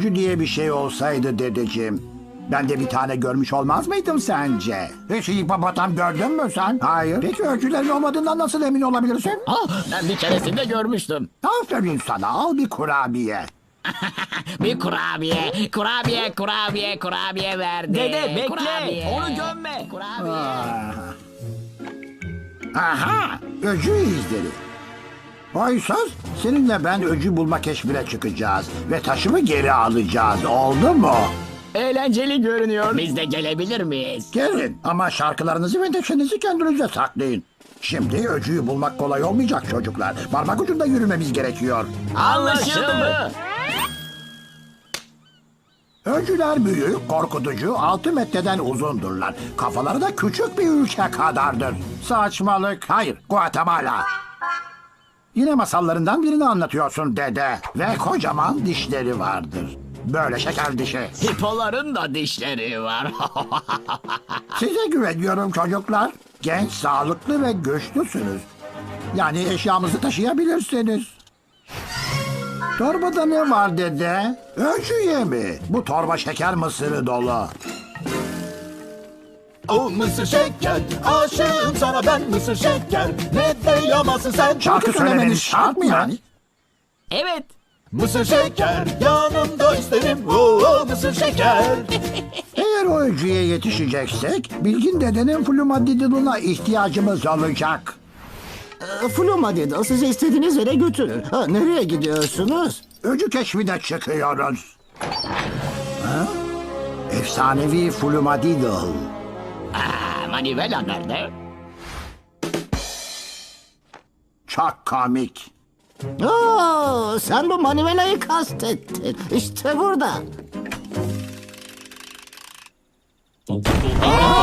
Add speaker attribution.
Speaker 1: öcü diye bir şey olsaydı dedeciğim, ben de bir tane görmüş olmaz mıydım sence? Hiç hipopotam gördün mü sen? Hayır. Peki öcülerin olmadığından nasıl emin olabilirsin?
Speaker 2: Ben bir keresinde görmüştüm.
Speaker 1: Aferin sana, al bir kurabiye.
Speaker 2: Bir kurabiye verdi.
Speaker 3: Dede bekle.
Speaker 2: Kurabiye.
Speaker 3: Onu gömme.
Speaker 2: Kurabiye.
Speaker 1: Aha, öcü izleri. Oysuz, seninle ben öcü bulma keşfine çıkacağız ve taşımı geri alacağız, oldu mu?
Speaker 3: Eğlenceli görünüyor.
Speaker 2: Biz de gelebilir miyiz?
Speaker 1: Gelin ama şarkılarınızı ve neşenizi kendinize saklayın. Şimdi öcüyü bulmak kolay olmayacak çocuklar. Parmak ucunda yürümemiz gerekiyor.
Speaker 2: Anlaşıldı.
Speaker 1: Öcüler büyük, korkutucu, 6 metreden uzundurlar. Kafaları da küçük bir ülke kadardır. Saçmalık. Hayır, Guatemala. Yine masallarından birini anlatıyorsun dede. Ve kocaman dişleri vardır. Böyle şeker dişi.
Speaker 2: Hipoların da dişleri var.
Speaker 1: Size güveniyorum çocuklar. Genç, sağlıklı ve güçlüsünüz. Yani eşyamızı taşıyabilirsiniz. Torbada ne var dede? Öcü yemi. Bu torba şeker mısırı dolu.
Speaker 4: O mısır şeker, aşığım sana ben mısır şeker. Ne de yamasın sen.
Speaker 1: Şarkı söylemeniz şart mı yani?
Speaker 3: Evet.
Speaker 4: Mısır şeker, yanımda isterim. Oo, mısır şeker.
Speaker 1: Eğer o öcüye yetişeceksek, Bilgin dedenin flumadidiluna ihtiyacımız olacak.
Speaker 5: Flumadido sizi istediğiniz yere götürür. Ha, nereye gidiyorsunuz?
Speaker 1: Öcü keşfine çıkıyoruz. Ha? Efsanevi flumadidil.
Speaker 2: Manivela nerede?
Speaker 1: Çok komik.
Speaker 5: Oo, sen bu manivelayı kastettin. İşte burada.